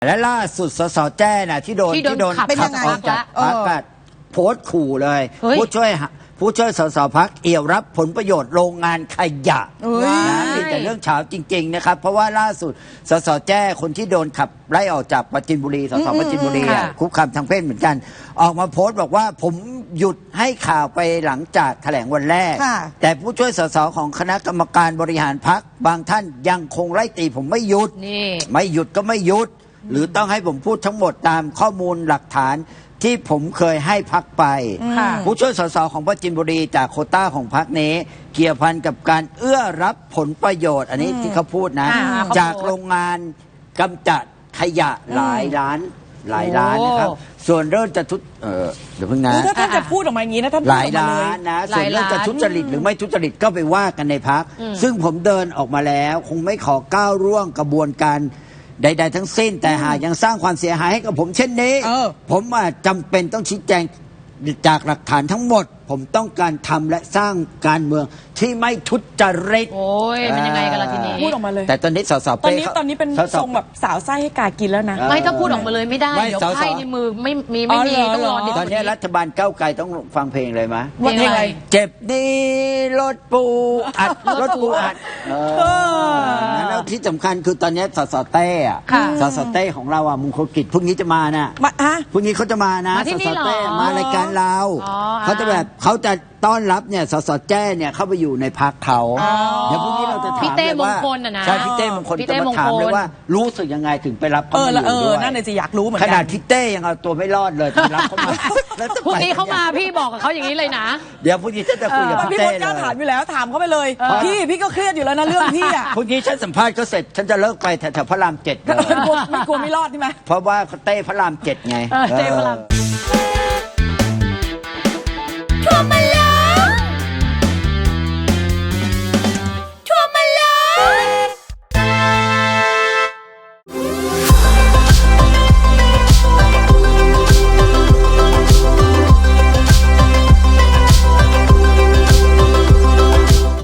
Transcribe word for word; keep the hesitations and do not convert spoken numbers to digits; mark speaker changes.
Speaker 1: และล่าสุดสสแจ้น่ะที่โดน
Speaker 2: ที่โดนขับ
Speaker 1: ขับออกจากพรรคอะโพสต์ขู่เลย ผู้ช่วยผู้ช่วยสสพักเอี่ยวรับผลประโยชน์โรงงานขยะนะมีแต่เรื่องเฉาจริงๆนะครับเพราะว่าล่าสุดสสแจ้คนที่โดนขับไล่ออกจากปราจีนบุรีสสปราจีนบุรีคุกคามทางเพศเหมือนกันออกมาโพสต์บอกว่าผมหยุดให้ข่าวไปหลังจากแถลงวันแรกแต่ผู้ช่วยสสของคณะกรรมการบริหารพรรคบางท่านยังคงไล่ตีผมไม่หยุดไม่หยุดก็ไม่หยุดหรือต้องให้ผมพูดทั้งหมดตามข้อมูลหลักฐานที่ผมเคยให้พักไปผู้ช่วยสสของปราจีนบุรีจากโควต้าของพักนี้เกี่ยวพันกับการเอื้อรับผลประโยชน์อันนี้ที่เขาพูดนะจากโรงงานกำจัดขยะหลายล้านหลายล้านนะครับส่วนเรื่องจะทุจเออเดี๋ยวเพิ่งนะ
Speaker 3: ถ้าท่านจะพูดออกมาอย่างนี้นะท่าน
Speaker 1: หลายล้านนะส่วนเรื่องจะทุจริตหรือไม่ทุจริตก็ไปว่ากันในพักซึ่งผมเดินออกมาแล้วคงไม่ขอก้าวร่วงกระบวนการใดๆทั้งสิ้นแต่หากยังสร้างความเสียหายให้กับผมเช่นนี้ผมจำเป็นต้องชี้แจงจากหลักฐานทั้งหมดผมต้องการทำและสร้างการเมืองที่ไม่ทุจริต
Speaker 2: โอ้ยมันยังไงกันล่ะทีนี้
Speaker 3: พูดออกมาเลย
Speaker 1: แต่ตอนนี้สส
Speaker 3: ตอนนี้ตอนนี้เป็นทรงแบบสาวไส้ให้กากินแล้วนะ
Speaker 2: ไม่ถ้าพูดออกมาเลยไม่ได้เดี๋ยวไพ่ในมือไม่มีไม่มีต้องรอ
Speaker 1: ตอนนี้รัฐบาลก้าวไกลต้องฟังเพลงเลยไหม
Speaker 2: เพลงอะไร
Speaker 1: เจ็บนี้รถปูอัดรถปูอัดแล้วที่สำคัญคือตอนนี้สสเต้อะสสเต้ของเราอ่ะมงคลกิจพรุ่งนี้จะมาน่ะพรุ่งนี้เขาจะมานะสสเต้มารายการเราเขาจะแบบเขาจะต้อนรับเนี่ยสสแจ้เนี่ยเข้าไปอยู่ในพักเขาเดี๋ยวพรุ่งนี้เราจะถามเลยว่าใช่พี่เต้มงคลจะมาถามเลยว่ารู้สึกยังไงถึงไปรับเขามาอยู่ด้วย
Speaker 3: นั่นเลยจะอยากรู้เหมือน
Speaker 1: ข
Speaker 3: กัน
Speaker 1: นาดพี่เต้ยังเอาตัวไม่รอดเลยถึงรับเขามา
Speaker 2: พรุ่งนี้เขามาพี่บอกกับเขาอย่างนี้เลยนะ
Speaker 1: เดี๋ยวพรุ่งนี้ฉันจะคุยกับพี่เต้เลย
Speaker 3: พี่พจน์กล้าถามอยู่แล้วถามเขาไปเลยพี่พี่ก็เครียดอยู่แล้วนะเรื่องพี่อ่ะ
Speaker 1: พรุ่งนี้ฉันสัมภาษณ์ก็เสร็จฉันจะเลิกไปแถวพระรามเจ็ดเลย
Speaker 3: ไม่กลัวไม่รอดใช่ไหม
Speaker 1: เพราะว่าเต้พระรามเจ็ดไง
Speaker 2: เต้พระราม